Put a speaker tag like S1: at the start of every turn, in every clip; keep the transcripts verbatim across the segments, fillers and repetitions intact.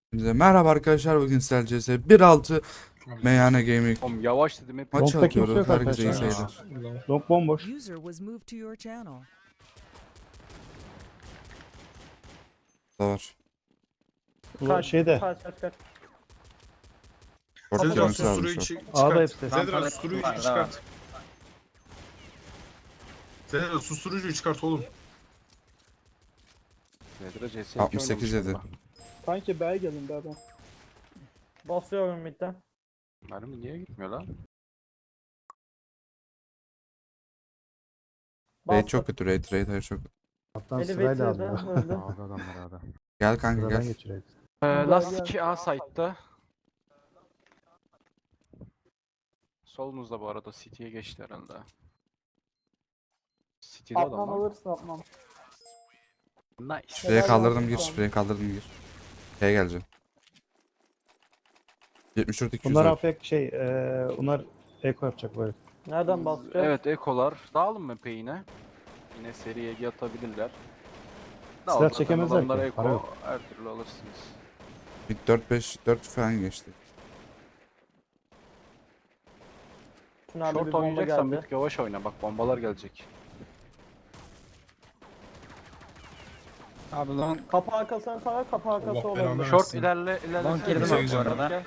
S1: Bize merhaba arkadaşlar, bugün Sel C S bir altı Meyhane Gaming
S2: Oğlum yavaş dedim hep.
S1: maçı
S3: Long'da kimse
S1: atıyoruz.
S3: yok
S1: Herkese iyi
S3: arkadaşlar.
S1: seyirler.
S3: Long bomboş.
S4: User was moved to your channel.
S1: Da var.
S3: Bu şeyde.
S5: Kaç kaç kaç.
S1: Orada
S5: Zedra,
S1: dönmesi lazım
S6: susturuyu
S1: şu an.
S6: çık-
S3: Ağda
S6: çıkart.
S3: hepsi.
S6: Zedra susturuyu çıkart. Zedra susturucuyu çıkart oğlum.
S2: Nedir C S
S1: altmış sekiz yedi.
S5: Kanki B'ye gelin B'den. Basıyorum midden.
S2: Mermi niye gitmiyor lan?
S1: Raid çok kötü, raid, raid hayır çok kötü.
S3: Alttan sırayla
S5: Elevator'da
S3: aldı.
S5: öldü.
S3: Ağda adamlar ağda.
S1: Gel kanka
S3: Sıradan
S1: gel.
S3: geçiyor.
S2: Ee,
S5: Gel,
S2: Last
S5: gel.
S2: iki A site'da. Solunuzda bu arada City'ye geçti herhalde. City'de
S5: Atman
S2: adam var.
S5: alırsın atman.
S2: Nice.
S1: Spreye
S5: Helal
S1: kaldırdım
S5: olsun
S1: gir,
S5: sana.
S1: spreye kaldırdım gir. Şeye geleceğim. yetmiş dört iki yüz.
S3: Bunlar afek şey, eee bunlar eko yapacak böyle.
S5: Nereden basacağız?
S2: Evet ekolar. Dağılın mı pe yine? Yine seri Ege atabilirler. Dağıl
S3: Silah
S2: zaten
S3: çekemezler
S2: adamlar
S3: ki,
S2: eko.
S3: para yok.
S2: Her türlü alırsınız.
S1: Bir dört beş dört falan geçti.
S5: Tünelde bir
S2: Short
S5: bomba
S2: oynayacaksan
S5: geldi.
S2: bir yavaş oyna bak bombalar gelecek.
S7: Abi long
S5: Kapı arkasına tarar, kapı arkası
S6: Allah
S5: olabilir.
S6: belanı
S2: Short
S6: versin.
S2: ilerle ilerle.
S7: Long girdim
S6: abi bu
S7: arada.
S2: Gel.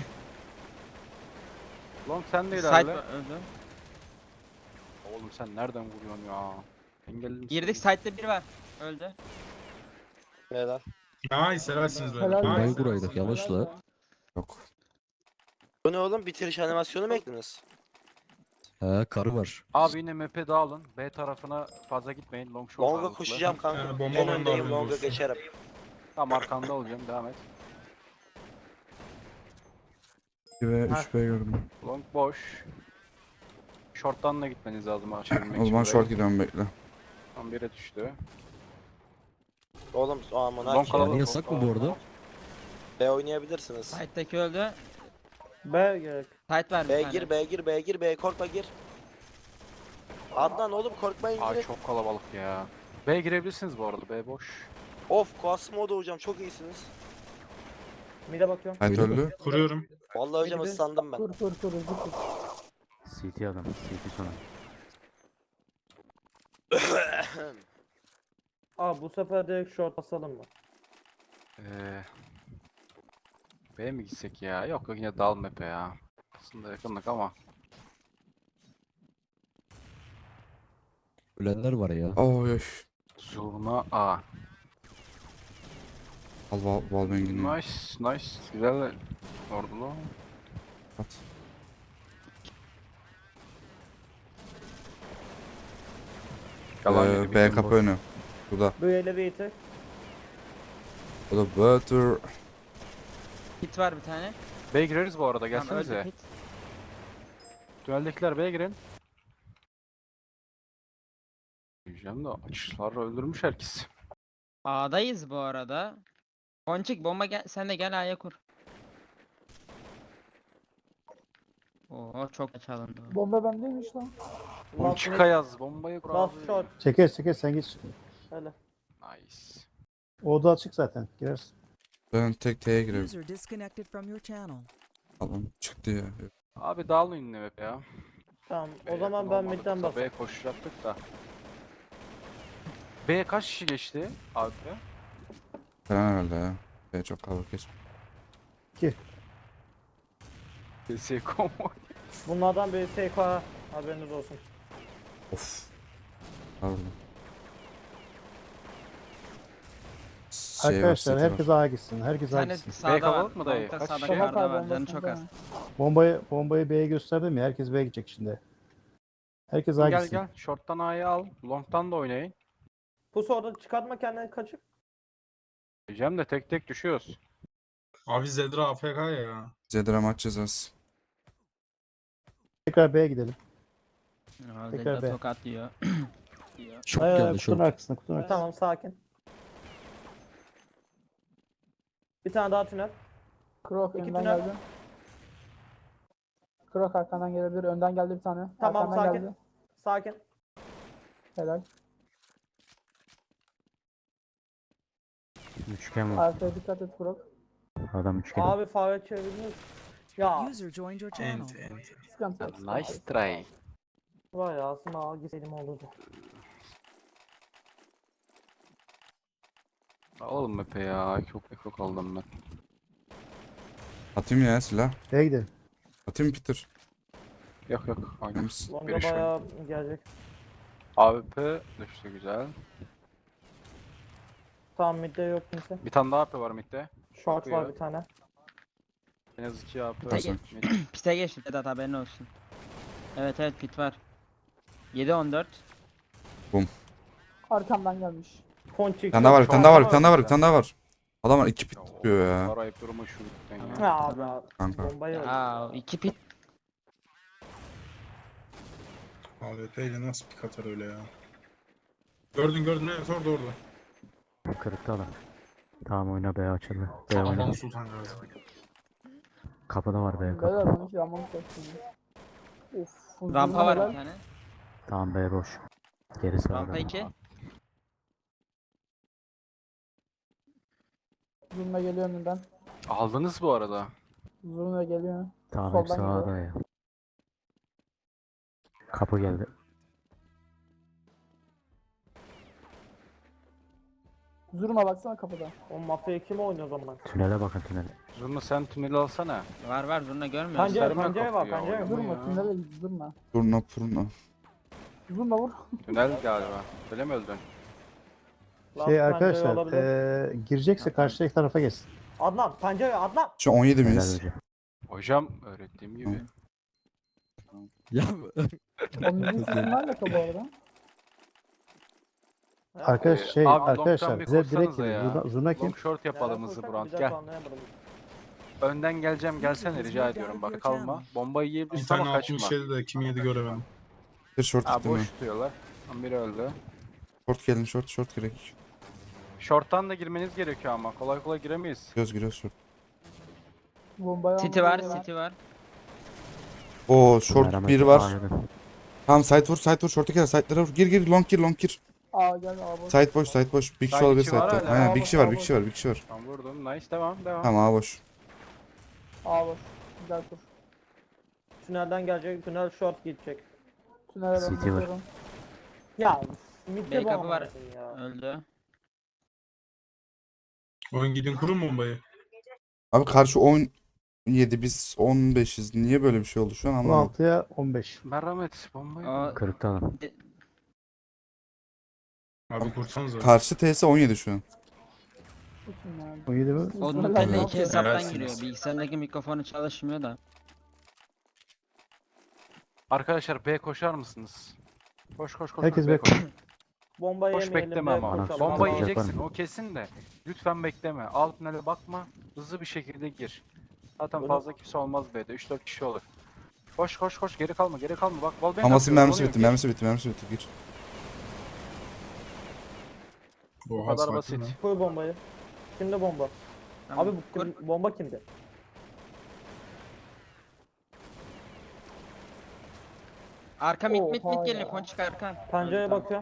S2: Long sen de
S7: site
S2: ilerle.
S7: öldü.
S2: Oğlum sen nereden vuruyorsun ya? Engelli misin?
S7: Girdik site'de biri var. Öldü.
S6: Nice helalsiniz böyle.
S5: Helal
S6: Nice.
S5: olsun.
S8: buraydık, yavaş la.
S1: Yok.
S9: Bu ne oğlum? Bitiriş animasyonu mu eklediniz?
S8: He karı var.
S2: Abi yine map'e dağılın. B tarafına fazla gitmeyin. Long short
S9: Long'a
S2: ağırlıklı.
S9: koşacağım kanka.
S6: Yani bomba
S9: en
S6: bende
S9: öndeyim,
S6: haberin
S9: Long'a
S6: olsun.
S9: geçerim.
S2: Tamam arkanda olacağım. Devam et.
S1: iki ve üç B gördüm.
S2: Long boş. Short'tan da gitmeniz lazım açabilmek
S1: O zaman
S2: için
S1: short
S2: burayı.
S1: gidiyorum, bekle.
S2: Tam bire düştü.
S9: Oğlum aman
S2: Long
S9: haki.
S2: kalabalık.
S8: Yani yasak mı bu arada?
S9: B oynayabilirsiniz.
S7: Site'deki öldü.
S5: B gerek.
S7: Site var bir
S9: B
S7: tane.
S9: gir, B gir, B gir, B korkma gir. Adnan oğlum korkmayın
S2: Ay
S9: girin.
S2: çok kalabalık ya. B girebilirsiniz bu arada. B boş.
S9: Of Quasimodo hocam çok iyisiniz.
S5: Mide bakıyorum.
S1: Hayat öldü.
S6: Kuruyorum.
S9: Vallahi hocam
S5: Biri-
S9: ıslandım ben.
S5: Kur kur kur hızlı kur.
S8: C T adam, C T sona.
S5: Aa bu sefer direkt short basalım mı?
S2: Ee, B'ye mi gitsek ya? Yok yok yine dal map'e ya. Aslında yakınlık ama.
S8: Ölenler var ya.
S1: Oy oy.
S2: Zurna A.
S1: Al wall, wallbang'ini.
S2: Nice nice. Güzel ordulu.
S1: At.
S2: Yalan
S1: Ee,
S2: gibi
S1: B
S2: bizim
S1: kapı
S2: boş.
S1: önü. Bu da.
S5: Bu elevator.
S1: Bu da butter.
S7: Hit var bir tane.
S2: B'ye gireriz bu arada
S7: Tamam,
S2: gelsenize.
S7: öldü hit.
S2: Tüneldekiler B'ye girin. Diyeceğim de açışlar öldürmüş herkes.
S7: A'dayız bu arada. Ponçik bomba gel, sen de gel A'ya kur. Oo çok geç alındı. o.
S5: Bomba bendeymiş lan.
S2: Ponçika yaz bombayı kur
S5: Last
S2: abi.
S5: shot.
S3: Çekeriz çekeriz sen git.
S5: Hele.
S2: Nice.
S3: O oda açık zaten. Girersin.
S1: Ben tek T'ye girerim.
S4: User disconnected from your channel.
S1: Allah'ım çıktı ya.
S2: Abi dağılın yine hep ya.
S5: Tamam o
S2: B'ye
S5: zaman
S2: yakın
S5: ben
S2: olmadık,
S5: midden
S2: yoksa
S5: basayım.
S2: B'ye koşacaktık da. B'ye kaç kişi geçti abi?
S1: Falan herhalde ya. B çok kalabalık geçmiş.
S2: C S konvoy.
S5: Bunlardan biri S K haberiniz olsun.
S1: Of. Pardon. Şey var,
S3: Arkadaşlar
S1: seti var.
S3: herkes A'ya gitsin. Herkes
S7: Bir
S3: A'ya
S7: tane
S3: gitsin.
S7: sağda var.
S2: kapalı mı dayı?
S7: Long'da
S2: Kaç
S7: sağda
S2: kişi?
S7: yukarıda var.
S5: Bomba
S7: Canı çok az.
S3: Bombayı bombayı B'ye gösterdim ya. Herkes B'ye gidecek şimdi. Herkes A'ya
S2: Gel
S3: gitsin.
S2: gel. Short'tan A'yı al. Long'tan da oynayın.
S5: Pus orada çıkartma kendini kaçıp.
S2: Diyeceğim de tek tek düşüyoruz.
S6: Abi Zedra A F K ya.
S1: Zedra maç cezası.
S3: Tekrar B'ye gidelim.
S7: Aa,
S3: Tekrar
S7: Zedda
S3: B.
S7: tokat yiyor.
S8: Çok
S3: Ay, ay,
S8: geldi
S3: kutunun
S8: şort.
S3: arkasına kutunun arkasına.
S5: Tamam sakin. Bir tane daha tünel.
S10: Krok
S5: İki
S10: önden
S5: tünel.
S10: geldi. Krok arkandan gelebilir. Önden geldi bir tane.
S5: Tamam
S10: arkandan
S5: sakin.
S10: geldi.
S5: Sakin.
S10: Helal.
S8: Üçgen
S10: Arkaya dikkat et Krok.
S8: Adam üç kere.
S5: Abi fare çevirdiniz. Ya
S4: User joined your channel.
S6: Ent ent.
S10: Sıkıntı yok. sıkıntı
S2: Nice
S10: yok.
S2: try.
S5: var ya aslında ağa gitseydim olurdu.
S2: Oğlum mepe ya. Çok ekok aldım ben.
S1: Atayım ya silah.
S3: B'ye gidelim.
S1: Atayım Peter.
S2: Yok yok. Aynı.
S1: Temiz.
S5: Longa
S2: Biri şu.
S5: bayağı gelecek.
S2: A W P düştü güzel.
S5: Tamam midde yok kimse.
S2: Bir tane daha A W P var midde.
S5: Short var
S2: Bakıyor.
S5: bir tane.
S2: En az iki A W P.
S1: Nasıl?
S2: Mid.
S7: Pite geçti Sedat haberin olsun. Evet evet pit var. yedi on dört.
S10: Arkamdan gelmiş.
S5: Ponçik.
S1: Bir tane daha var, bir tane daha var, bir
S5: Short
S1: tane daha var, bir tane daha var. Adam var iki pit tutuyor ya.
S2: Arayıp durma şu lütfen ya.
S5: Ya abi abi.
S1: Kanka.
S5: Bombayı öldü.
S7: Aa iki pit.
S6: A W P ile nasıl pik atar öyle ya. Gördün gördün evet orada orada.
S8: Kırıkta adam. Tamam oyna B açıldı. B oyna.
S6: Adam Sultan Gazi.
S8: Kapıda var B
S10: Beyler
S8: kapı.
S10: ben iki yanmamı seçtim. Uf. uzun
S7: Rampa var
S10: helal.
S7: bir tane.
S8: Tamam B boş. Geri sağda.
S7: Rampa iki.
S10: Zurna geliyor önünden.
S2: Aldınız bu arada.
S10: Zurna geliyor.
S8: Tamam hep
S10: Soldan
S8: sağda ya. Kapı geldi.
S10: Zurna baksana kapıda.
S5: O mafya kim oynuyor o zaman?
S8: Tünele bakın tünele.
S2: Zurna sen tüneli alsana.
S7: Var var zurna görmüyor musun?
S5: Pencere
S2: Gösterme
S5: pencere var
S2: kapıyı ya,
S5: pencere.
S2: oğlum.
S10: Zurna
S2: ya.
S10: tünele git zurna.
S1: Turna purna.
S10: Zurna vur.
S2: Tünel galiba. Öyle mi öldün?
S5: Lan
S3: Şey
S5: pencere
S3: arkadaşlar
S5: olabilir.
S3: eee girecekse karşıdaki tarafa geçsin.
S5: Adnan pencere Adnan.
S1: Şu on yedi
S8: Helal
S1: miyiz?
S8: hocam.
S2: Hocam öğrettiğim gibi.
S8: Ya
S10: O müziğin sesi nerede bu arada?
S3: Arkadaş
S2: Ee,
S3: şey
S2: abi long'tan
S3: arkadaşlar
S2: bir
S3: bize direkt
S2: koşsanıza
S3: girin.
S2: ya.
S3: Zurna, zurna kim?
S2: Long short yapalım hızlı
S5: Koşsak
S2: Burak.
S5: bir dakika
S2: Gel.
S5: anlayamadım.
S2: Önden geleceğim gelsene rica ediyorum bak kalma. Bombayı
S6: Bir
S2: yiyebilirsin
S6: tane
S2: ama kaçma.
S6: altmış yedi de kim yedi göremedim.
S1: Bir short
S2: Ha
S1: gitti mi?
S2: boş tutuyorlar. Tam biri öldü.
S1: Short gelin, short, short gerek.
S2: Short'tan da girmeniz gerekiyor ama kolay kolay giremeyiz.
S1: Göz giriyor short.
S10: Bombayı
S7: City var
S10: almadan
S7: city var.
S1: Oo short
S8: Merhamet
S1: bir var.
S8: anladım.
S1: Tamam side vur, side vur, short'a gel, side'lara vur. Gir gir, long gir, long gir.
S10: Aa gel abi.
S1: Side boş, side boş. Bir kişi
S2: Side
S1: olabilir
S2: kişi var
S1: side'da.
S2: hala.
S1: Aynen bir
S10: Aa,
S1: kişi var,
S10: boş,
S1: bir
S10: aa,
S1: kişi var, bir kişi var.
S2: Tamam vurdum. Nice devam devam.
S1: Tamam A boş.
S10: Aa boş. Güzel tur.
S5: Tünelden gelecek. Tünel short gidecek.
S10: Tünele ben
S8: City var.
S10: bakıyorum.
S5: Ya midde
S7: B
S5: bu
S7: kapı var.
S5: amına ya.
S7: Öldü.
S6: Oyun gidin kurun bombayı.
S1: Abi karşı on yedi biz on beşiz. Niye böyle bir şey oldu şu an
S3: on
S1: anlamadım.
S3: altıya on beş.
S2: Merhamet bombayı.
S7: O
S8: Kırıkta adam.
S6: Abi kursanıza.
S1: Karşı T S on yedi şu an.
S10: Bakın yani.
S3: on yedi mi?
S7: o
S10: Bismillah,
S7: Nutella
S10: ne
S7: iki
S10: yapıyor?
S7: hesaptan
S6: Helalsiniz.
S7: giriyor. Bilgisayarındaki mikrofonu çalışmıyor da.
S2: Arkadaşlar B koşar mısınız? Koş koş koş.
S3: Herkes
S2: koş, B
S3: bek-
S2: koş.
S5: Bombayı
S2: Koş
S5: yemeyelim.
S2: bekleme
S5: be,
S2: ama.
S5: koşalım.
S2: Bombayı
S8: Yapar
S2: yiyeceksin
S8: mı?
S2: o kesin de. Lütfen bekleme. Alt tünele bakma. Hızlı bir şekilde gir. Zaten
S5: Bunu-
S2: fazla kimse olmaz B'de. üç dört kişi olur. Koş koş koş geri kalma geri kalma. Bak wallbang
S1: Amasın
S2: atıyoruz,
S1: mermisi
S2: oluyor,
S1: bitti,
S2: gir.
S1: mermisi bitti, mermisi bitti. Gir.
S2: Bu
S6: Oha,
S2: kadar
S6: sakin
S2: basit.
S6: lan.
S5: Koy bombayı. Kimde bomba?
S7: Tamam,
S5: Abi bu
S7: kur.
S5: kim- bomba kimde?
S7: Arka mit mit
S10: Oha
S7: mit geliyor.
S10: ya.
S7: Ponçik arkan.
S5: Pencereye
S7: Öldü, tamam.
S5: bakıyor.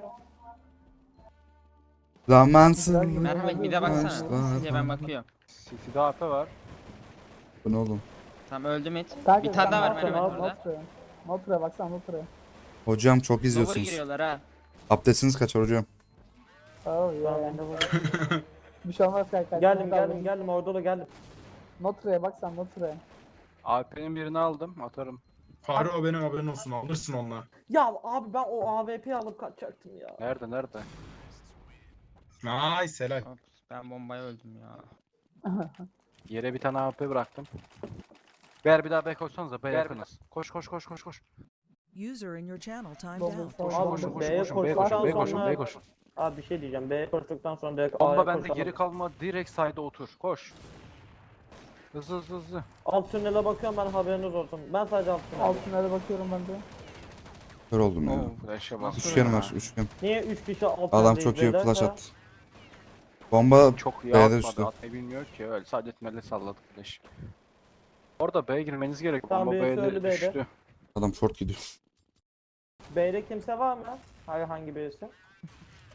S1: Zamansız.
S10: Güzel gibi.
S7: Merhamet bir de baksana.
S1: Başlar.
S7: City'ye ben bakıyorum.
S2: City'de A P var.
S1: Bu ne oğlum?
S7: Tamam öldü mit.
S10: Kanka,
S7: Bir tane
S10: sen
S7: daha var
S10: Notra'ya,
S7: Merhamet
S5: abi,
S7: burada.
S10: Notra'ya. Notra'ya baksana Notra'ya.
S1: Hocam çok
S7: Lower
S1: izliyorsunuz.
S7: giriyorlar ha.
S1: Abdestiniz kaçar hocam.
S10: Oh
S5: Ben
S10: ya.
S5: bende var.
S10: Bir şey olmaz kanka.
S5: Geldim geldim geldim orada da geldim.
S10: Notra'ya bak sen Notra'ya.
S2: A P'nin birini aldım atarım.
S6: Fahri o benim haberin olsun alırsın onunla.
S5: Ya abi ben o A W P'yi alıp kaçacaktım ya.
S2: Nerede nerede?
S6: Nice helal.
S7: Ops, ben bombaya öldüm ya.
S2: Yere bir tane A P bıraktım. Ber bir daha B koşsanıza B yakınız. Koş koş koş koş koş.
S4: User in your channel timed
S10: Bomba
S4: out.
S10: sağ-
S2: Koşun
S5: Abi,
S2: koşun
S5: B'ye
S2: koşun koşun B
S5: koştuktan
S2: koşun B koşun
S5: sonra-
S2: B koşun.
S5: Abi bir şey diyeceğim. B koştuktan sonra direkt
S2: Bomba
S5: A'ya
S2: bende
S5: koşalım.
S2: geri kalma direkt side'a otur. Koş. Hızlı hızlı hızlı.
S5: Alt tünele bakıyorum ben haberiniz olsun. Ben sadece alt tünele.
S10: Alt tünele bakıyorum ben de.
S1: Kör oldum ya.
S2: Oo, flash'a bas.
S1: Üçgen var, üçgen.
S5: Niye üç kişi alt
S1: Adam
S5: tünedeyiz
S1: çok iyi
S5: beyler?
S1: flash
S5: Ha?
S1: attı. Bomba
S2: Çok iyi
S1: B'de
S2: atmadı.
S1: düştü.
S2: Atmayı bilmiyor ki öyle. Sadece tünelde salladı flash. Orada B'ye girmeniz gerek.
S5: Tamam,
S2: Bomba
S5: birisi
S2: B'de
S5: öldü B'de.
S2: düştü.
S1: adam short gidiyor.
S5: B'de kimse var mı? Hayır hangi birisi?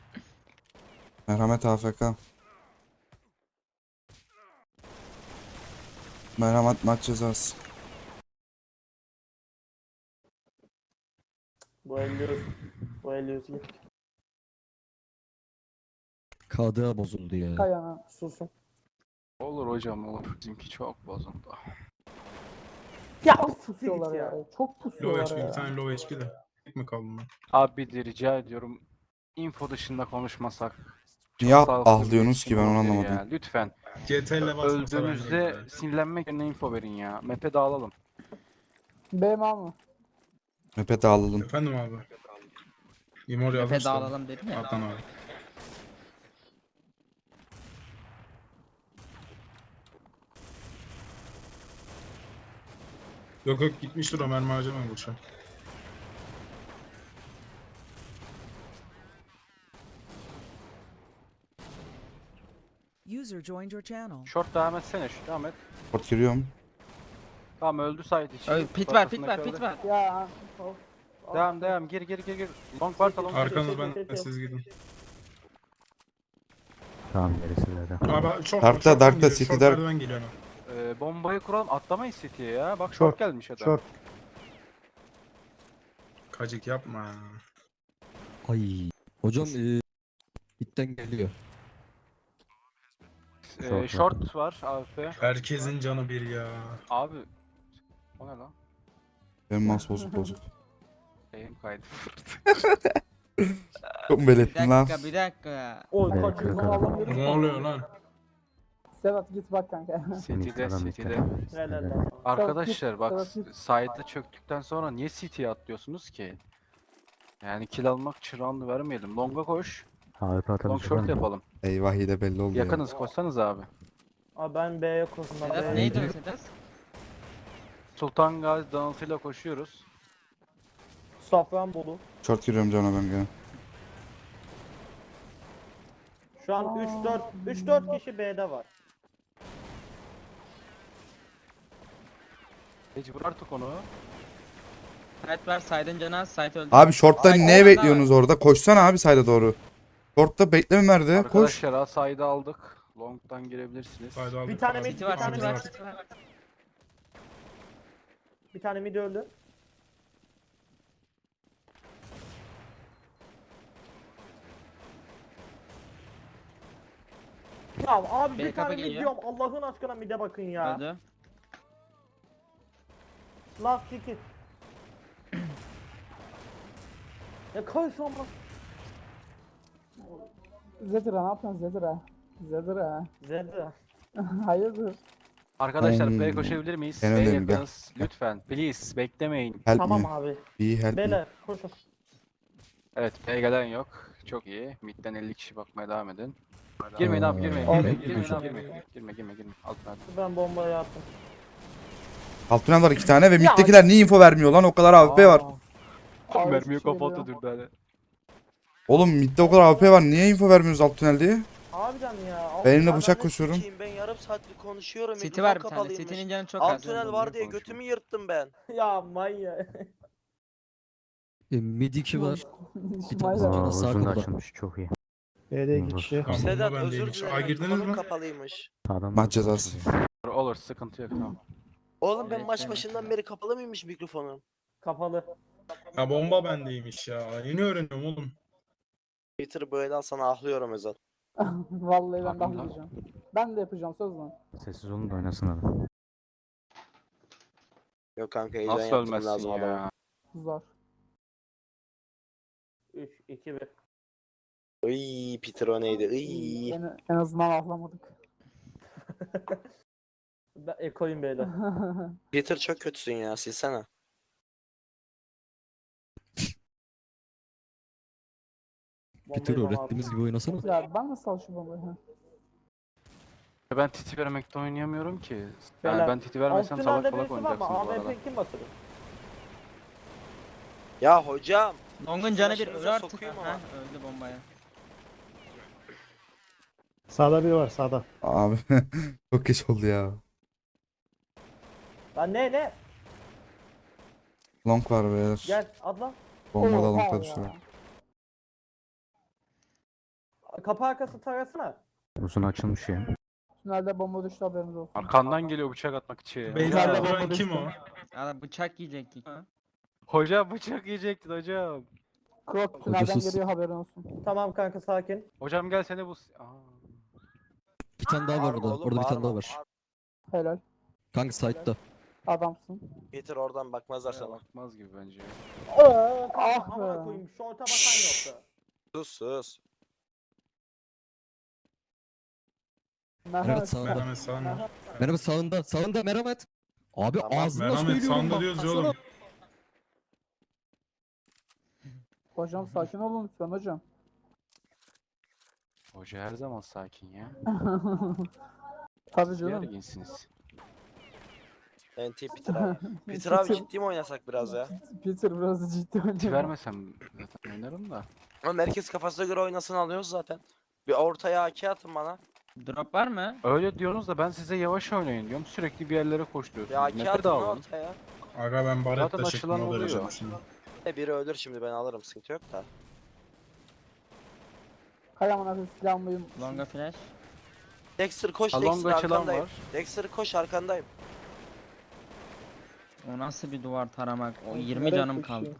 S1: Merhamet A F K. Merhamet maç cezası.
S5: Bu elli Bu elli yüz git.
S8: K D A bozuldu ya.
S10: Kayana.
S5: Susun.
S2: Olur hocam olur. Bizimki çok bozuldu.
S5: Ya
S10: Pusuyorlar ya. Çok
S6: Low
S10: pusuyorlar
S6: H P bir
S10: ya.
S6: tane low H P de. Tek mi kaldı lan?
S2: Abi bir de rica ediyorum. Info dışında konuşmasak. Çok
S1: Niye
S2: sağlıklı
S1: ah
S2: bir
S1: diyorsunuz ki ben onu
S2: iletişim olabilir
S1: anlamadım.
S2: ya. Lütfen.
S6: C T L basmasa ben
S2: Öldüğümüzde
S6: de
S2: sinirlenmek yerine info verin ya. Map'e dağılalım.
S10: B mal mı?
S1: Map'e dağılalım.
S6: Efendim abi. Imor yazmış
S7: Tepe
S6: da.
S7: dağılalım dedim ya.
S6: Adnan abi. Yok yok gitmiştir o mermi harcamayın boşa.
S4: User joined your channel.
S2: Short devam etsene şu devam et.
S1: Port giriyorum.
S2: Tamam öldü side içi.
S7: Öyle pit var, pit
S2: Arkasında
S7: var, pit
S2: kaldı.
S7: var.
S10: Ya. Of.
S2: Devam devam gir gir gir gir. Long varsa long.
S6: Arkanız ben siz gidin.
S8: Tamam gerisi de.
S6: Abi short
S1: Dark'ta,
S6: short
S1: Dark'ta,
S6: geliyor,
S1: City
S6: short
S1: Dark.
S6: merdiven geliyor hemen.
S2: Ee, bombayı kuralım atlamayız City'ye ya. Bak short,
S3: Short,
S2: gelmiş adam.
S3: Short.
S6: Kacık yapma.
S8: Ay. Hocam eee itten geliyor.
S2: Ee,
S8: Short
S2: short var A W P.
S6: Herkesin canı bir ya.
S2: Abi. O ne lan?
S1: Benim mouse bozuk bozuk.
S2: Eğim kaydı.
S1: Çok mu
S7: Bir
S1: belirttin lan?
S7: dakika, bir dakika.
S5: Oy
S8: Evet,
S5: kaçıyor.
S8: kırk
S10: Allah'ım.
S6: Ne oluyor lan?
S10: Sevat git bak kanka.
S2: City'de
S8: Adam
S2: City'de.
S8: işte.
S5: Helal lan.
S2: Arkadaşlar bak
S10: Savaş git.
S2: side'da çöktükten sonra niye City'ye atlıyorsunuz ki? Yani kill almak çırağını vermeyelim. Long'a koş.
S8: A W P
S2: Long
S8: atabilecek
S2: short
S8: var mı?
S2: yapalım.
S1: Eyvah iyi de belli oldu ya.
S2: Yakınız koşsanız abi.
S5: Abi ben B'ye koştum. Ben
S7: Sedat
S5: B'ye
S7: neydi
S5: koştum.
S7: o Sedat?
S2: Sultan Gazi dansıyla koşuyoruz.
S5: Safranbolu.
S1: Short giriyorum cana ben gene.
S5: Şu an üç dört üç dört kişi B'de var.
S2: Hiç vur artık onu.
S7: Site var, side'ın canı az, site öldü.
S1: Abi short'tan
S7: Ay,
S1: neye
S7: oradan da
S1: bekliyorsunuz orada? Koşsana abi side'a doğru. Short'ta bekleme nerede? Koş.
S2: Arkadaşlar ha side'ı aldık. Long'dan girebilirsiniz.
S6: Haydi aldık,
S5: Bir tane
S6: aldık.
S5: mid,
S7: City var,
S5: bir tane
S7: City var,
S5: mid.
S7: City var.
S5: Bir tane mid öldü. Ya abi
S7: B
S5: bir
S7: kapı
S5: tane mid
S7: geliyor.
S5: diyorum. Allah'ın aşkına mid'e bakın ya.
S7: Öldü.
S5: Last iki. Ya koy son bak.
S10: Zedra ne yapıyorsun Zedra? Zedra.
S5: Zedra.
S10: Hayırdır?
S2: Arkadaşlar
S1: Hmm.
S2: B'ye koşabilir miyiz?
S1: En
S2: B'ye
S1: önemli, gel.
S2: yakınız. Lütfen. Please. Beklemeyin.
S1: Help
S5: Tamam
S1: me.
S5: abi.
S1: Be help me.
S5: Beyler koşun.
S2: Evet B'ye gelen yok. Çok iyi. Mid'den elli kişi bakmaya devam edin. Girmeyin abi girmeyin.
S10: Abi,
S2: Girmeyin girmeyin
S8: girmeyin.
S2: abi girmeyin. Girme girme girme. Altına at.
S5: Ben bombayı attım.
S1: Alt tünel var iki tane ve
S5: Ya-
S1: middekiler niye info vermiyor lan? O kadar A W P var.
S10: Abi,
S2: Mermiyi
S10: hiçbir şey
S2: kafa
S10: yok.
S2: atı dürdane.
S1: Oğlum midde o kadar A W P var. Niye info vermiyorsunuz alt tünel diye?
S5: Harbiden ya.
S1: Ben elimde
S9: Ananı
S1: bıçak koşuyorum.
S9: sikeyim, ben yarım saattir konuşuyorum.
S7: City
S9: mikrofon
S7: var bir tane.
S9: kapalıymış.
S7: City'nin canı çok az.
S9: Alt tünel var diye götümü yırttım ben.
S5: Ya manyak.
S8: E, mid iki var. Bir tane
S10: İsmail
S8: Aa,
S10: abi.
S8: Aa, sağ uzun da kapıda. açılmış çok iyi.
S3: B'de iki
S8: Olur.
S3: kişi.
S6: Tamam,
S9: Sedat
S6: bomba
S9: özür
S6: bendeymiş. Aa,
S9: dilerim.
S6: girdiniz
S9: Mikrofonum
S6: mi?
S9: kapalıymış.
S8: Sağdan
S1: Maç
S8: da-
S1: cezası.
S2: Olur sıkıntı yok tamam.
S9: Oğlum ben
S7: Evet,
S9: maç
S7: evet.
S9: başından beri kapalı mıymış mikrofonum?
S5: Kapalı.
S6: Ya bomba bendeymiş ya. Yeni öğreniyorum oğlum.
S9: Twitter böyle al sana ahlıyorum Özal.
S10: Vallahi ben de
S2: Aklımda.
S10: yapacağım. Ben de yapacağım söz lan.
S8: Sessiz olun da oynasın adam.
S9: Yok kanka heyecan
S2: Nasıl
S9: yaptım
S2: ölmezsin
S9: lazım adama.
S2: ya?
S10: Zor.
S5: üç iki bir.
S9: Iy Peter o neydi? Iy.
S10: En, en azından ahlamadık.
S5: Ben ekoyum beyler.
S9: Peter çok kötüsün ya silsene.
S8: Peter
S5: Bombayı bana
S8: öğrettiğimiz
S5: attı.
S8: gibi oynasana.
S10: Ya ben nasıl sal şu bombayı? Ha?
S2: Ben titi vermekte oynayamıyorum ki.
S5: Beyler,
S2: Yani ben titi vermesem
S5: Alt
S2: salak
S5: tünelde
S2: salak
S5: birisi var mı?
S2: oynayacaksınız bu arada.
S5: A W P kim batırır?
S9: Ya hocam.
S7: Long'un canı bir
S9: Flash'ınıza
S7: ölü artık.
S9: sokayım
S7: Ha,
S9: ama.
S7: öldü bombaya.
S3: Sağda biri var sağda.
S1: Abi çok geç oldu ya.
S5: Lan ne ne?
S1: Long var beyler.
S5: Gel atla.
S1: Bomba da
S10: Oha
S1: long'a
S10: ya.
S1: düştü.
S5: Kapı arkası tarasına.
S8: Uzun açılmış ya.
S10: Tünelde bomba düştü haberiniz olsun.
S2: Arkandan geliyor bıçak atmak için.
S6: Beyza'da
S10: Hocam.
S6: duran kim o?
S7: Adam bıçak yiyecektik.
S2: Hocam bıçak yiyecektin hocam.
S10: Krok tünelden
S8: Hocasız.
S10: geliyor haberin olsun.
S5: Tamam kanka sakin.
S2: Hocam gel seni bu... Aa.
S9: Bir tane daha var orada. Orada bir tane daha var.
S10: Helal.
S9: Kanka site'da.
S10: Adamsın.
S9: Getir oradan bakmazlar sana.
S2: Bakmaz gibi bence.
S5: Aa,
S10: Ah
S5: amına
S10: be.
S5: koyayım. Şorta bakan yoktu.
S9: Sus sus.
S10: Merhamet.
S8: sağında.
S6: Merhamet sağında.
S8: Merhamet sağında. Sağında merhamet. Abi
S9: Tamam,
S8: ağzına
S6: Merhamet
S8: söylüyorum
S6: sağında
S8: bak.
S6: diyoruz ya
S8: baksana.
S6: oğlum.
S10: Hocam sakin olun lütfen hocam.
S2: Hoca her zaman sakin ya.
S10: Tabii
S2: Siz
S10: canım.
S2: gerginsiniz.
S9: N T Peter abi. Peter abi ciddi mi oynasak biraz ya?
S10: Peter biraz ciddi
S2: Ti
S10: oynuyor.
S2: vermesem zaten oynarım da.
S9: Ama merkez kafasına göre oynasın alıyoruz zaten. Bir ortaya A K atın bana.
S7: Drop var mı?
S2: Öyle diyorsunuz da ben size yavaş oynayın diyorum. Sürekli bir yerlere
S9: Bir
S2: koşturuyorsunuz.
S9: A K
S2: Nefret
S9: atın lan
S2: alın.
S9: ortaya.
S6: Aga ben
S2: Zaten
S6: Baretta
S2: açılan
S6: çektim o
S2: oluyor.
S6: derece şimdi.
S9: E biri ölür şimdi ben alırım sıkıntı yok da.
S10: Hay aman abi silahımlıyım.
S7: Longa flash.
S9: Dexter koş
S2: Along
S9: Dexter
S2: açılan
S9: arkandayım.
S2: var.
S9: Dexter koş arkandayım.
S7: O nasıl bir duvar taramak? O
S5: Nereye
S7: yirmi canım
S5: koşuyor?
S7: kaldı.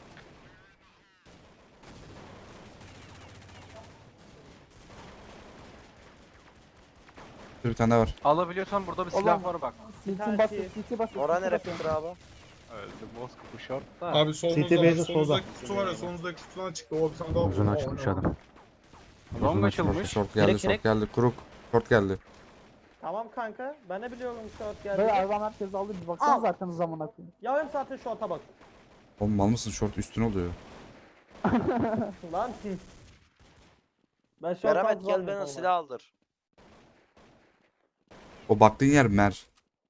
S1: Bir tane daha var.
S2: Alabiliyorsan burada bir silah
S10: Oğlum.
S2: var bak.
S10: Siltin basıyor, silti basıyor.
S9: Ora
S10: silti
S9: nere
S10: basıyor.
S9: Peter abi?
S2: Öldü Moskova short da.
S6: Abi solunuzda
S3: City
S6: var.
S3: base'e solda.
S6: Solunuzdaki kutu var ya solunuzdaki kutudan çıktı. O bir tane daha
S8: Uzun
S6: var.
S8: açmış adam.
S2: Long
S8: Uzun açmış.
S2: açılmış.
S1: Short geldi,
S7: Direkt,
S1: short
S7: direkt.
S1: geldi. Kuruk. Short geldi.
S5: Tamam kanka. Ben de biliyorum short
S10: Böyle
S5: geldi.
S10: aradan herkes aldı bir baksanız
S5: Al.
S10: arkanıza amına koyayım.
S5: Yarım saattir short'a bak.
S1: Oğlum mal mısın? Short üstün oluyor.
S5: Lan. Ben short
S9: Merhamet
S5: aldım
S9: gel
S5: zannediyorum
S9: bana
S5: ama.
S9: silah aldır.
S1: O baktığın yer mer.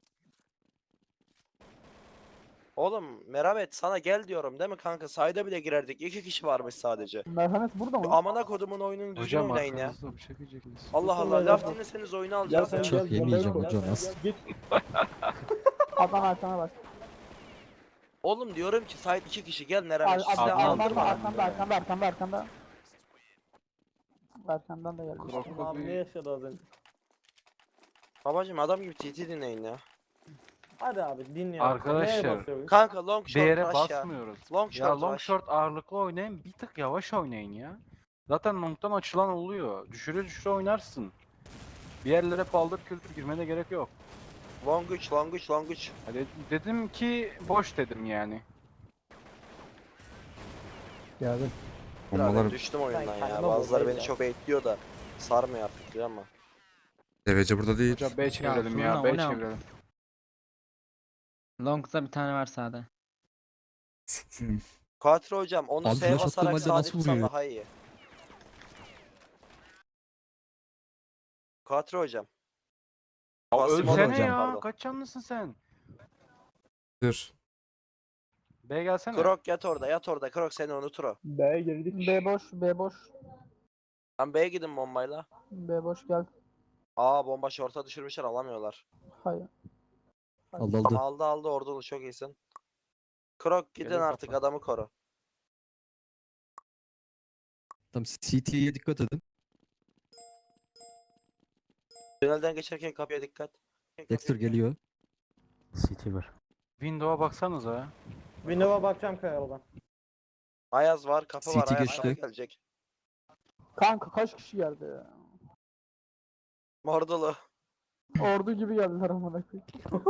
S9: Oğlum Merhamet sana gel diyorum değil mi kanka? Sayda bile girerdik. İki kişi varmış sadece.
S10: Merhamet burada
S9: Şu
S10: mı?
S9: amına kodumun oyununu düzgün
S2: Hocam
S9: oynayın ya.
S2: arkanızda bıçak yiyeceksiniz.
S9: Allah Allah
S5: Kusura
S9: laf
S5: bakma.
S9: dinleseniz oyunu
S5: Gel
S9: alacağız
S5: sen
S9: ya.
S8: Bıçak
S5: gel.
S8: yemeyeceğim
S5: bombayı koy.
S8: hocam, nasıl?
S5: Git.
S10: Adam arkana bak.
S9: Oğlum diyorum ki sahip iki kişi gel
S10: Ar
S9: Merhamet.
S10: ar
S9: Silah
S2: Adnan
S9: aldır
S10: arkanda,
S9: bana.
S10: arkanda, arkanda, arkanda, arkanda. Arkandan da geldi.
S2: Krok
S5: Abi ne
S2: bir...
S5: yaşadı az önce?
S9: Babacım adam gibi T T dinleyin ya.
S5: Hadi abi dinleyelim.
S2: Arkadaşlar,
S5: Neye basıyoruz?
S9: Kanka long
S2: Bir
S9: short
S2: yere
S9: rush ya.
S2: basmıyoruz.
S9: Long
S2: Ya
S9: short
S2: long
S9: rush.
S2: short ağırlıklı oynayın, bir tık yavaş oynayın ya. Zaten long'dan açılan oluyor. Düşüre düşüre oynarsın. Bir yerlere paldır kültür girmene gerek yok.
S9: Long üç, long üç, long üç.
S2: Hadi dedim ki boş dedim yani.
S3: Geldim.
S9: Birader
S1: Bombalar
S9: düştüm oyundan
S5: Ben
S9: ya.
S5: kendime
S9: Bazıları
S5: bombayı
S9: beni
S5: ya.
S9: çok bekliyor da sarmıyor artık biliyor musun?
S1: devece burada değil.
S2: Hocam B çevirelim
S7: Furkan,
S2: ya,
S7: o
S2: B
S7: ne?
S2: çevirelim.
S7: Long'da bir tane var sağda.
S9: Katil hocam onu
S8: Abi
S9: S
S8: flash attığım
S9: basarak
S8: halde
S9: sağ
S8: nasıl
S9: tutsan
S8: vuruyor?
S9: daha iyi. Katil hocam.
S2: Ya
S9: Basim olur
S2: ölsene
S8: hocam,
S2: ya,
S9: pardon.
S2: kaç canlısın sen?
S1: Dur.
S2: B gelsene.
S9: Krok yat orada yat orada. Krok seni unutur o.
S5: B'ye girdik.
S10: B boş, B boş.
S9: Lan B'ye gidin bombayla.
S10: B boş gel.
S9: Aa bomba şorta düşürmüşler alamıyorlar.
S10: Hayır.
S8: Aldı
S9: Ama
S8: aldı.
S9: aldı aldı ordulu çok iyisin. Krok gidin
S2: Geliyor
S9: artık
S2: kapı.
S9: adamı koru.
S8: Tamam C T'ye dikkat edin.
S9: Tünelden geçerken kapıya dikkat.
S8: Dexter geliyor.
S1: C T var.
S2: Window'a baksanıza ya.
S5: Windows'a bakacağım kayalıdan.
S9: Ayaz var kapı var
S8: C T
S9: Ayaz
S8: geçti.
S9: sana gelecek.
S10: Kanka kaç kişi geldi ya?
S9: Mordulu.
S10: Ordu gibi geldiler amına koyayım.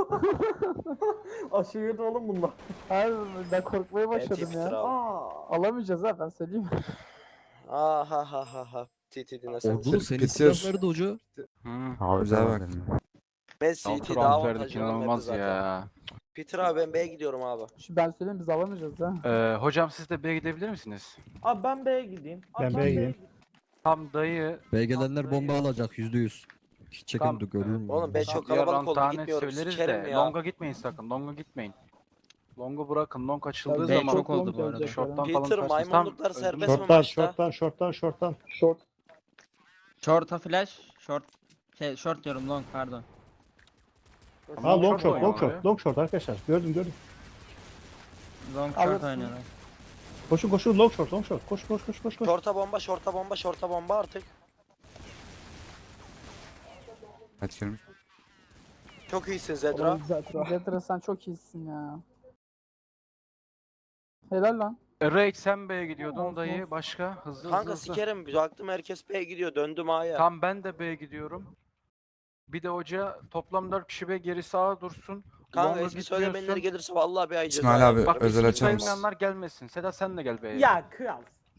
S5: Aşırı da oğlum bunlar.
S10: Hayır ben korkmaya başladım
S9: Peter
S10: ya.
S9: abi.
S5: Aa.
S10: Alamayacağız ha ben söyleyeyim.
S9: Aa ha ha ha ha. T T dinlesen.
S8: Ordulu senin
S1: Peter.
S8: silah nerede hoca?
S2: Hmm.
S1: Abi güzel bak.
S9: Ben C
S2: Altı
S9: T daha
S2: round verdik
S9: avantajlı olan
S2: inanılmaz
S9: zaten.
S2: ya.
S9: Peter abi ben B'ye gidiyorum abi.
S10: Şu ben söyleyeyim biz alamayacağız ha.
S2: Ee, hocam siz de B'ye gidebilir misiniz?
S5: Abi ben B'ye gideyim. Abi
S3: Ben B'ye gideyim.
S2: Tam dayı.
S8: B gelenler bomba alacak yüzde yüz. Hiç
S2: Tamam.
S8: çekin görür mü?
S9: Oğlum B çok
S2: Diğer
S9: kalabalık
S2: round
S9: oldu
S2: daha net
S9: gitmiyorum
S2: söyleriz
S9: sikerim
S2: de.
S9: ya.
S2: Long'a gitmeyin sakın. Long'a gitmeyin. Long'u bırakın. Long açıldığı
S7: B
S2: zaman
S7: çok oldu bu arada.
S2: short'tan falan
S9: Peter
S2: kaçtınız.
S9: maymunluklar
S2: Tam
S9: serbest
S2: öldünüz.
S9: mi
S3: Shorttan,
S9: maçta?
S3: shorttan, shorttan, shorttan.
S5: Short.
S7: Short'a flash. Short. Şey short diyorum long pardon.
S2: Ama
S3: Ha long
S2: short
S3: short, long
S2: oynuyorlar
S3: short,
S2: ya.
S3: long short arkadaşlar. Gördüm gördüm.
S7: Long
S10: Alırsın.
S7: short oynuyorlar.
S3: Koşun koşun long short, long short. Koş koş koş koş koş.
S9: Şorta bomba, şorta bomba, şorta bomba artık.
S1: Kaç gelmiş?
S9: Çok iyisin Zedra.
S10: Zetra sen çok iyisin ya. Helal lan.
S2: E, Raid sen B'ye gidiyordun
S10: Olsun,
S2: dayı.
S10: olsun.
S2: Başka? Hızlı hızlı
S9: Kanka
S2: hızlı.
S9: sikerim. Baktım herkes B'ye gidiyor. Döndüm A'ya.
S2: Tam ben de B'ye gidiyorum. Bir de hoca toplam dört kişi B geri sağa dursun.
S9: Kanka
S2: Longa
S9: eski söylemenleri
S2: gitmiyorsun.
S9: gelirse vallahi bir ay ceza
S1: İsmail abi,
S9: yazarım.
S2: Bak
S1: özel
S2: isim
S1: açar mısın?
S2: sayılmayanlar gelmesin. Sedat sen de gel B'ye.
S5: Ya kral.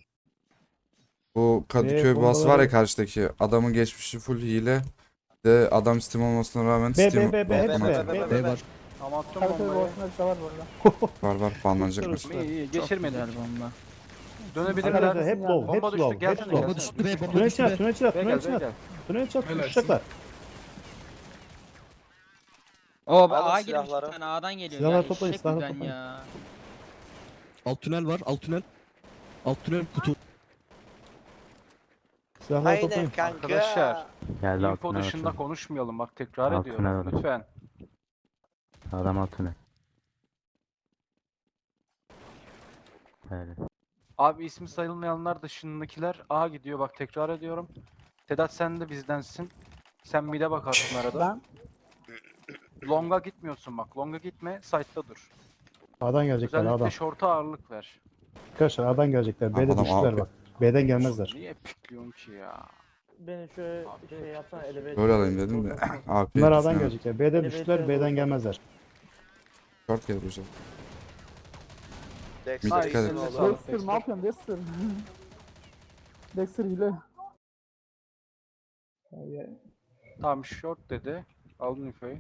S1: Bu Kadıköy
S3: Ee,
S1: bas var ya
S3: bombaları-
S1: karşıdaki. Adamın geçmişi full hile. De adam Steam olmasına rağmen
S3: B
S1: Steam
S3: B B B hepsi
S9: B,
S3: B.
S9: B,
S3: B,
S9: B,
S3: B.
S9: B.
S2: Tamam attım
S10: Karakter
S2: bombayı.
S10: boğazında bir şey var bu arada.
S1: var var banlanacaklar.
S2: İyi iyi
S7: Çok
S2: geçirmedik.
S7: güzel bomba.
S2: Dönebilirler.
S3: Arkadaşlar hep low,
S2: Bomba
S3: hep
S2: düştü,
S3: low,
S2: gelsene,
S3: hep low.
S2: gelsene.
S3: Tünel çat, tünel çat,
S2: B'ye
S3: tünel
S2: gel B'ye
S3: çat.
S2: gel.
S3: Tünel çat,
S6: Helal
S3: uçacaklar.
S7: O
S9: Alın
S7: A girmiş bir
S9: silahları.
S7: tane A'dan geliyor.
S3: Silahları
S7: ya,
S3: toplayın,
S7: eşek
S3: silahları
S7: kuzen
S3: toplayın.
S7: ya.
S11: Alt tünel var, alt tünel. Alt tünel kutu.
S3: Silahları
S9: Aynen
S3: toplayın.
S9: kanka.
S2: Arkadaşlar,
S8: Geldi
S2: info
S8: altına
S2: dışında
S8: açın.
S2: konuşmayalım bak tekrar
S8: Altına
S2: ediyorum
S8: alın.
S2: lütfen.
S8: Adam altına. Öyle.
S2: Abi ismi sayılmayanlar dışındakiler A gidiyor bak tekrar ediyorum. Sedat sen de bizdensin. Sen mid'e bakarsın arada.
S10: Ben
S2: Long'a gitmiyorsun bak. Long'a gitme, site'da dur.
S3: A'dan gelecekler,
S2: Özellikle
S3: A'dan.
S2: short'a ağırlık ver.
S3: Arkadaşlar A'dan gelecekler. B'de
S1: Adam
S3: düştüler
S1: A-
S3: bak. B'den gelmezler.
S2: Niye pikliyorsun ki ya?
S5: Beni şöyle
S2: Abi,
S5: şey
S2: çok
S5: yapsana
S2: kötü.
S5: eleve.
S1: Böyle alayım dedim de. A P
S3: Bunlar A'dan
S1: düşünüyorum.
S3: gelecekler. B'de
S5: Elevator'a
S3: düştüler, B'den
S5: doğru.
S3: gelmezler.
S1: Short gelir hocam.
S9: Dexter
S1: Mid dikkat
S9: iyisin
S1: et.
S9: oğlum.
S2: Sağ ol.
S10: Dexter ne yapıyorsun Dexter? Dexter hile.
S2: Tamam short dedi. Aldın infoyu.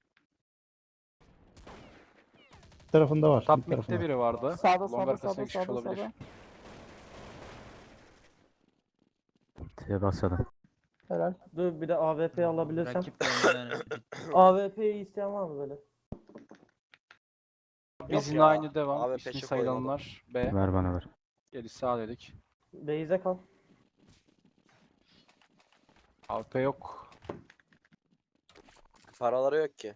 S3: Bir tarafında var.
S2: Top
S3: bir tarafında.
S2: mid'de biri vardı.
S10: Sağda
S2: Long
S10: sağda
S2: arkasına
S10: sağda
S2: geçmiş
S10: sağda
S2: olabilir.
S10: sağda.
S8: T'ye basalım.
S10: Helal.
S5: Dur bir de A W P alabilirsem.
S7: Rakip oyuncular.
S5: A W P'yi isteyen var mı böyle?
S2: Biz yine
S9: ya.
S2: aynı devam.
S9: Abi
S2: İsmi
S9: peşe
S2: sayılanlar B.
S8: Ver bana ver.
S2: Geri sağ dedik.
S5: Beyze kal.
S2: A P yok.
S9: Paraları yok ki.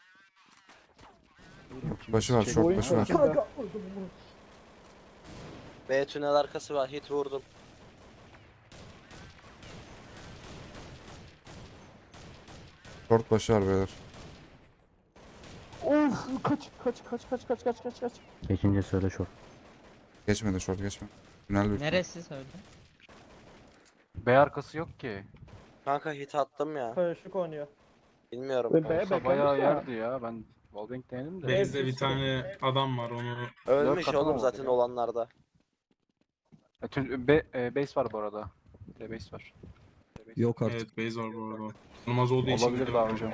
S1: Başı var,
S2: Şey-
S1: short
S10: Oyun
S1: başı var.
S10: sonunda.
S5: Kanka vurdum bunu.
S9: B tünel arkası var. Hit vurdum.
S1: Short başı var beyler.
S10: Of kaç kaç kaç kaç kaç kaç kaç kaç.
S8: Geçince söyle short.
S1: Geçmedi short geçme. Tünel büyük.
S7: Neresi söyle?
S2: B arkası yok ki.
S9: Kanka hit attım ya.
S5: Karışık oynuyor.
S9: Bilmiyorum.
S10: Ve B
S2: Olsa bayağı
S10: beklemiş ya.
S2: yerdi ya. Ben Wallbang denedim de.
S6: Base'de bir tane adam var onu.
S9: Ölmüş
S2: katı
S9: oğlum
S2: oldu
S9: zaten
S2: ya.
S9: olanlarda.
S2: E, tüm, B, e, base var bu arada. B base var. B base.
S11: Yok artık.
S6: Evet base var bu arada. Olmaz olduğu için.
S2: Olabilir daha hocam.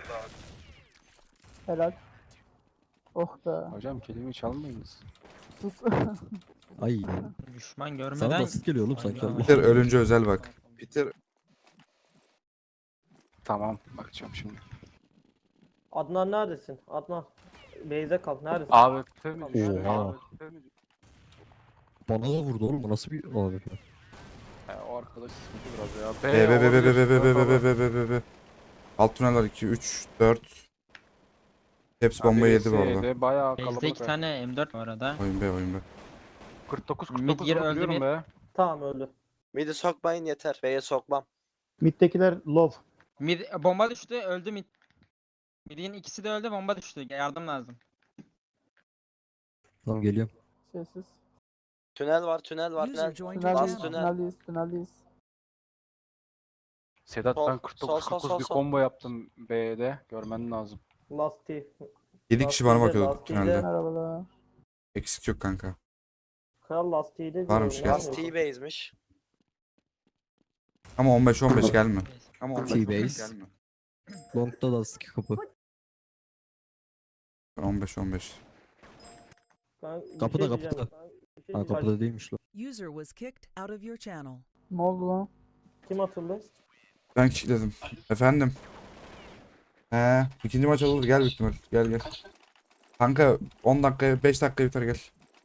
S10: Helal. Oh be.
S2: Hocam kelimeyi çalmayınız.
S10: Sus.
S11: Ay.
S7: Düşman
S11: Sana
S7: görmeden.
S11: basit geliyor oğlum sanki.
S7: Aynen.
S1: Peter ölünce özel bak. Peter
S2: Tamam bakacağım şimdi.
S5: Adnan neredesin? Adnan. Beyze kal. Neredesin?
S2: A W P mi düştü?
S11: Oha.
S2: A W P mi düştü?
S11: Bana da vurdu oğlum. Bu nasıl bir abi?
S2: He, o arkadaş sıkıntı biraz ya. B,
S1: B B B B B
S2: olabilir.
S1: B B B
S2: Baba.
S1: B B B B B. Alt tünel var iki, üç, dört. Hepsi
S2: Ha,
S1: bomba yedi bu
S2: birisi
S1: arada.
S2: yedi, Bayağı
S7: Base'de
S2: kalabalık.
S7: iki
S2: be.
S7: tane M dört var arada.
S1: Oyun B oyun B.
S2: kırk dokuz
S7: Mid
S2: kırk dokuz
S7: geri öldü
S2: vuruyorum
S7: bir.
S2: be.
S5: Tamam öldü.
S9: Midi sokmayın yeter. B'ye sokmam.
S3: Mid'dekiler low.
S7: Mid bomba düştü, öldü mid. Mid'in ikisi de öldü, bomba düştü. Yardım lazım.
S11: Tamam geliyorum.
S10: Sessiz.
S9: Tünel var, tünel var,
S4: User
S9: tünel.
S4: joined your
S10: Tüneldeyiz,
S9: Last
S4: channel.
S9: tünel.
S10: tüneldeyiz, tüneldeyiz.
S2: Sedat
S9: Sol,
S2: ben kırk dokuz
S9: sol,
S2: kırk
S9: sol,
S2: dokuz bir
S9: sol, sol.
S2: combo yaptım B'de. Görmen lazım.
S5: Last T.
S1: yedi kişi bana
S5: Lastiği de,
S1: bakıyordu
S5: lastiği de.
S1: tünelde.
S10: Merhabalar.
S1: Eksik yok kanka.
S5: Kral Last T'de
S1: Varmış
S5: diyorum,
S1: ya.
S5: ne
S9: Last
S5: yapıyorsun?
S9: T-base'miş.
S1: Ama on beş on beş gelme. Ama on beş on beş
S11: T-base.
S1: gelme.
S11: Long'da da sıkı kapı.
S1: on beş on beş.
S5: Ben bir
S11: Kapıda,
S5: şey diyeceğim.
S11: kapıda.
S5: Ben bir şey
S11: Ha
S5: diyeceğim.
S11: kapıda değilmiş lan.
S4: User was kicked out of your channel.
S10: Ne oldu lan?
S5: Kim atıldı?
S1: Ben kilitledim. Efendim. He, ikinci maç olur gel büyük ihtimal. Gel gel. Kanka on dakika beş dakika biter gel.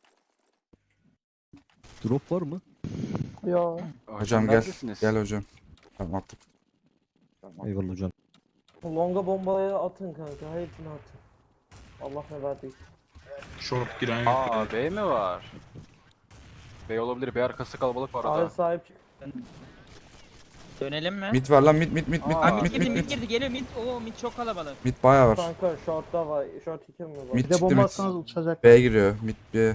S11: Drop var mı?
S10: Yo.
S1: Hocam gel.
S2: neredesiniz?
S1: Gel hocam. Tamam attık.
S11: Eyvallah hocam.
S5: Longa bombaya atın kanka. Hepsini atın. Allah ne verdiyse.
S6: Short giren yok.
S2: Aa B mi var? B olabilir. B arkası kalabalık var
S5: Abi
S2: arada.
S5: sahip çık.
S7: Dönelim mi?
S1: Mid var lan mid mid mid mid
S2: Aa,
S7: Aa,
S1: mid
S7: mid
S1: mid
S7: girdi
S1: mid
S7: mid
S1: mid.
S7: girdi geliyor mid. Oo mid çok kalabalık.
S1: Mid bayağı var.
S5: Kanka short'ta var. Short iki mi var?
S1: Mid
S3: Bir de
S1: çıktı
S3: bomba
S1: mid.
S3: atsanız uçacak.
S1: B'ye giriyor. Mid B.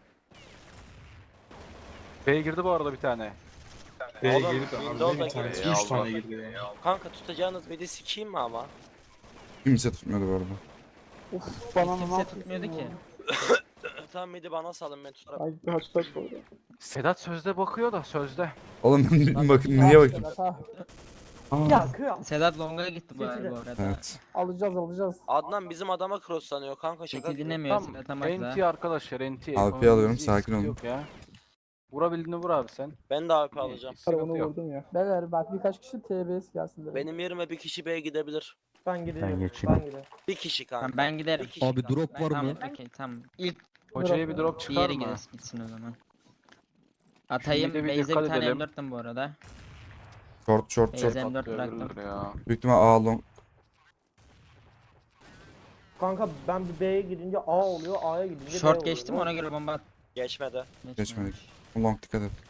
S2: B'ye girdi bu arada bir tane.
S6: B'ye
S9: Oğlum,
S6: girdi
S9: Windows'a
S6: abi. Bir tane.
S2: girdi.
S6: Üç
S2: Allah.
S6: tane girdi.
S9: Kanka tutacağınız midi sikeyim mi ama?
S1: Kimse tutmuyordu bu arada.
S10: Uf bana ne
S7: Kimse
S10: yapıyorsun
S7: tutmuyordu
S10: ya?
S7: ki.
S9: Tamam midi bana salın ben tutarım.
S10: Ay bir hatta sonra.
S2: Sedat sözde bakıyor da sözde.
S1: Oğlum ben bir bakın niye bakayım?
S10: Ha,
S5: Ya kıyam.
S7: Sedat Long'a gitti bu,
S5: Seçili.
S7: bu arada.
S1: Evet.
S10: alacağız alacağız.
S9: Adnan bizim adama crosslanıyor kanka şaka
S7: Çekil
S9: gibi.
S7: dinlemiyor
S2: Tam
S7: Sedat'a bak da.
S2: N T arkadaşlar N T.
S1: A W P alıyorum, sakin olun.
S2: Yok ya. Vurabildiğini vur abi sen.
S9: Ben de A W P alacağım.
S2: Sıkıntı
S10: Onu
S2: yok.
S10: vurdum ya. Beyler bak birkaç kişi T B S gelsin dedim.
S9: Benim yerime bir kişi B'ye gidebilir.
S5: Ben gidiyorum.
S8: Ben geçeyim.
S5: Ben gidiyorum.
S9: Bir kişi kanka.
S7: Tamam, ben giderim.
S9: Bir kişi
S11: Abi
S9: kanka.
S11: drop var
S7: Tamam
S11: mı?
S7: okey tamam. İlk
S2: Hocaya bir drop çıkar
S7: diğeri
S2: mı?
S7: gitsin, gitsin o zaman. Atayım.
S2: mid'e bir
S7: Base'e
S2: dikkat
S7: bir tane
S2: edelim.
S7: M dörttüm bu arada.
S1: Short short short.
S7: Base'e M dört
S2: Patlayabilir
S7: bıraktım.
S2: ya.
S1: Büyük ihtimal A long.
S5: Kanka ben bir B'ye gidince A oluyor. A'ya gidince B
S7: Short
S5: oluyor.
S7: geçtim ona göre bomba at.
S9: Geçmedi.
S1: Geçmedik. Long dikkat et.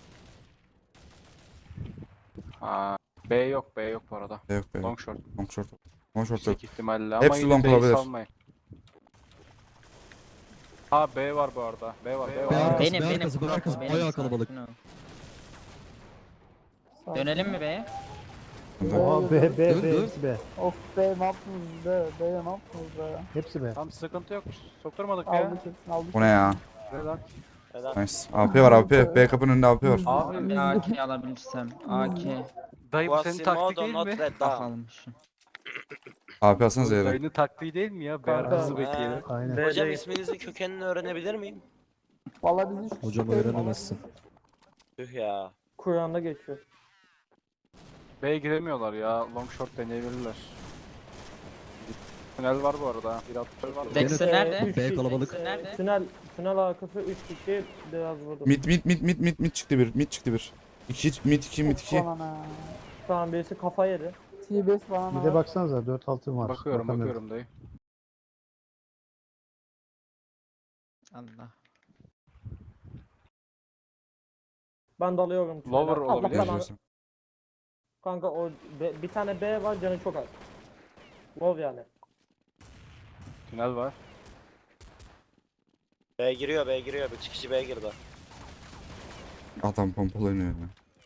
S2: Ha, B yok B yok bu arada.
S1: B yok B yok.
S2: Long short.
S1: Long short. Long short yok.
S2: Yüksek ihtimalle ama
S1: Hepsi
S2: yine
S1: long
S2: B'yi
S1: olabilir.
S2: salmayın. Ha B var bu arada. B var B
S11: B
S2: var.
S11: arkası,
S7: Benim
S11: B
S7: benim.
S11: arkası, B arkası.
S7: Benim,
S11: Bayağı
S7: sakin
S11: kalabalık.
S7: ol.
S10: Sağ ol.
S7: Dönelim mi B'ye?
S3: Oha B B
S11: Dur,
S3: B
S11: dur.
S3: hepsi B.
S10: Of be ne yaptınız be? Be ne yaptınız be?
S3: Hepsi B.
S2: Tam sıkıntı yok. Sokturmadık ya.
S10: Aldık hepsini aldık.
S1: Bu ne ya?
S2: Neden?
S9: Neden?
S1: Nice. A W P var A W P. B kapının önünde A W P var.
S2: Abi
S7: Bir A K alabilirsem. A K.
S2: dayı bu senin taktik değil
S9: not
S2: mi?
S9: red
S7: Bak
S9: down.
S7: almışım.
S1: A W P alsanız yere.
S2: Dayının taktiği değil mi ya? Beyar
S5: Kanka,
S2: hızlı bekleyelim.
S9: Ee,
S3: Aynen.
S5: B
S9: Hocam
S5: değil.
S9: isminizin kökenini öğrenebilir miyim?
S10: Valla biz üç
S11: Hocam
S10: kişi değiliz.
S11: öğrenemezsin.
S9: Tüh ya.
S5: Kur'an'da geçiyor.
S2: B'ye giremiyorlar ya. Long short deneyebilirler. Tünel var bu arada. Bir atış var.
S7: Dexter
S11: Gene-
S7: nerede?
S5: üç
S11: B
S5: kişi.
S11: kalabalık.
S7: Dexter nerede?
S5: Tünel, tünel arkası üç kişi biraz vurdu.
S1: Mid mid mid mid mid mid çıktı bir. Mid çıktı bir. İki mid iki mid iki.
S10: Bana ne?
S5: Tamam birisi kafa yedi.
S10: T B S bana ne?
S3: Bir de baksanıza dört altın var.
S2: Bakıyorum
S3: Bakamıyorum.
S2: bakıyorum dayı.
S7: Allah.
S5: Ben dalıyorum. tünele.
S2: Lower
S5: Allah
S2: olabilir.
S5: belanı- Kanka o B- bir tane B var canı çok az. Low yani.
S2: Tünel var.
S9: B giriyor B giriyor. Bir kişi B girdi.
S1: Adam pompalanıyor ya.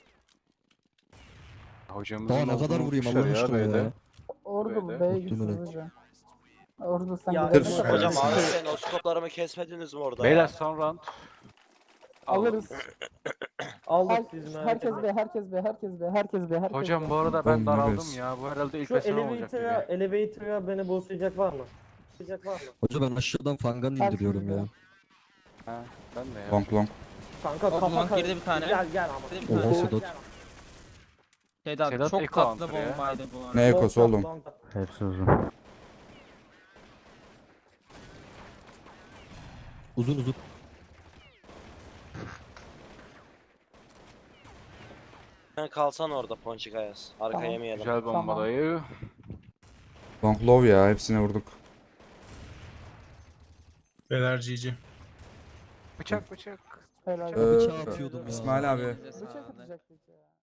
S2: Hocamızın
S11: Daha ne kadar
S2: olduğunu
S11: vurayım
S2: unutmuşlar
S11: Allah aşkına
S2: B'de.
S11: ya.
S10: Orada
S2: Böyle.
S10: bu B'ye
S11: Muhtemelen.
S10: gitsiniz hocam. Orada sen
S5: Ya,
S10: gidelim.
S1: Evet.
S9: Hocam abi sen o skoplarımı kesmediniz mi orada
S2: Beyler
S9: ya?
S2: son round.
S10: Alırız.
S5: Aldık
S10: Her-
S5: siz merak
S10: herkes
S5: etmeyin.
S10: B, herkes B, herkes B, herkes B, herkes
S2: Hocam
S10: B.
S2: bu arada
S1: Oğlum,
S2: ben
S1: ne
S2: daraldım
S1: bes.
S2: ya. Bu herhalde ilk
S5: Şu
S2: besin olacak gibi.
S5: elevator'a, elevator'a beni boostlayacak var mı? Boostlayacak var mı?
S11: Hocam ben aşağıdan fangan indiriyorum ya.
S2: Ha, ben de ya.
S1: Long long.
S5: Kanka
S7: Hop,
S5: kafa
S7: long
S5: kar-
S7: girdi bir tane.
S5: Gel gel ama.
S7: Girdi bir
S11: Oha
S7: tane.
S11: Sedat.
S7: Sedat,
S2: Sedat
S7: çok
S2: Eko
S7: tatlı
S2: antrenör ya.
S7: bombaydı bu arada.
S1: Ne ekosu
S5: Long,
S1: oğlum?
S5: long.
S8: Hepsi uzun.
S11: Uzun uzun.
S9: Sen kalsan orada Ponçik Ayaz. Arka
S10: Tamam.
S9: yemeyelim.
S2: Güzel bomba
S10: Tamam.
S2: dayı.
S1: Long low ya. Hepsine vurduk.
S6: Beyler G G.
S2: Bıçak bıçak.
S10: Helal.
S1: Ee,
S11: Bıçağı atıyordum ya.
S1: İsmail abi.
S7: Elinize
S10: Bıçak
S7: sağlık.
S10: atacaktık ya.